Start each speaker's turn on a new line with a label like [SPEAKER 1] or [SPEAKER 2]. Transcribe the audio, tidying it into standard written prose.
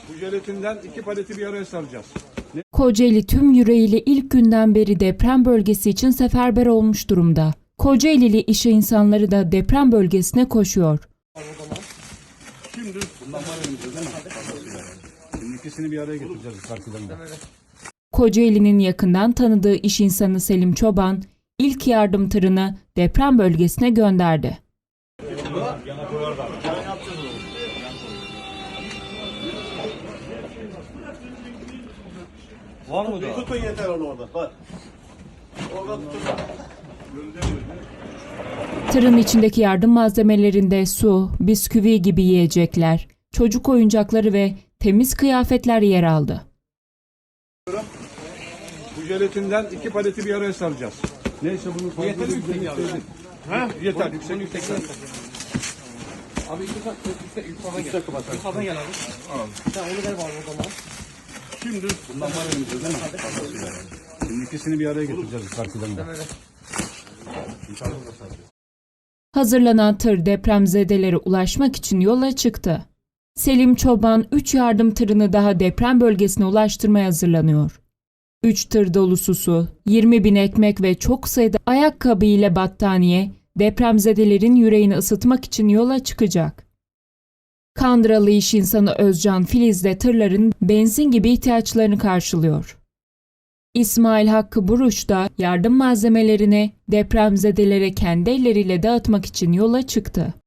[SPEAKER 1] Bu jelatinden 2 paleti bir araya saracağız.
[SPEAKER 2] Kocaeli tüm yüreğiyle ilk günden beri deprem bölgesi için seferber olmuş durumda. Kocaelili iş insanları da deprem bölgesine koşuyor.
[SPEAKER 1] Şimdi bundan var elimizde değil mi? Şimdi ikisini bir araya getireceğiz farklarında.
[SPEAKER 2] Kocaeli'nin yakından tanıdığı iş insanı Selim Çoban, ilk yardım tırını deprem bölgesine gönderdi.
[SPEAKER 3] Var mı da? Tutun yeter onu orada. Bak. Orada tutun.
[SPEAKER 2] Tırın içindeki yardım malzemelerinde su, bisküvi gibi yiyecekler, çocuk oyuncakları ve temiz kıyafetler yer aldı.
[SPEAKER 1] Bu jelatinden 2 paleti bir araya saracağız. Neyse bunu fazla
[SPEAKER 3] yeter mi yüksek abi?
[SPEAKER 1] Ha? Yeter.
[SPEAKER 3] Yüksek yüksek. Abi yukarıdan gel abi. Sen onu ver bana o zaman.
[SPEAKER 1] Şimdi bundan var elimizde değil mi? Şimdi ikisini bir araya getireceğiz farklarında.
[SPEAKER 2] Hazırlanan tır depremzedelere ulaşmak için yola çıktı. Selim Çoban 3 yardım tırını daha deprem bölgesine ulaştırmaya hazırlanıyor. 3 tır dolusu su, 20.000 ekmek ve çok sayıda ayakkabı ile battaniye depremzedelerin yüreğini ısıtmak için yola çıkacak. Kandıralı iş insanı Özcan Filiz de tırların benzin gibi ihtiyaçlarını karşılıyor. İsmail Hakkı Buruş da yardım malzemelerini depremzedelere kendi elleriyle dağıtmak için yola çıktı.